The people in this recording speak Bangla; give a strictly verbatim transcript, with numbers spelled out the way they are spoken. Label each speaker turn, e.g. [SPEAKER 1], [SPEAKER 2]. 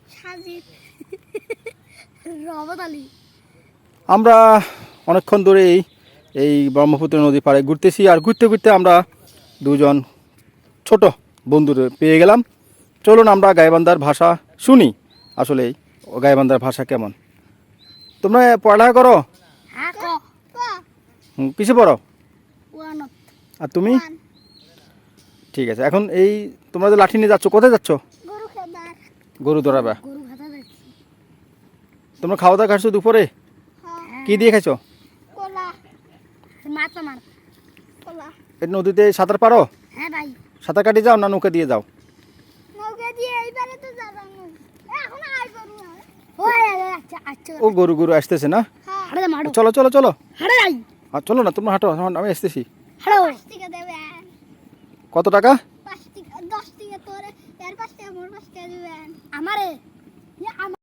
[SPEAKER 1] আমরা অনেকক্ষণ ধরেই এই ব্রহ্মপুত্র নদী পাড়ে ঘুরতেছি, আর ঘুরতে ঘুরতে আমরা দুজন ছোট বন্ধুরে পেয়ে গেলাম। চলুন আমরা গাইবান্ধার ভাষা শুনি, আসলে গাইবান্ধার ভাষা কেমন। তোমরা পড়ালেখা করো? হুম, কিসে পড়ো? আর তুমি? ঠিক আছে, এখন এই তোমরা যে লাঠি নিয়ে যাচ্ছ, কোথায় যাচ্ছ? গরু ধরাবা। তোমরা খাওয়া দাওয়া খাচ্ছ দুপুরে? কি দিয়ে খাইছো? এই নদীতে সাঁতার পারো? সাঁতার কাটি যাও না নৌকা দিয়ে যাও? ও গরু গরু আসতেছে না? চলো চলো চলো, আর চলো না, তোমরা হাঁটো, আমি আসতেছি। কত টাকা?
[SPEAKER 2] দশ টাকা তোরে, এর পাঁচ টাকা মোর পাঁচ টাকা দিবেন আমারে।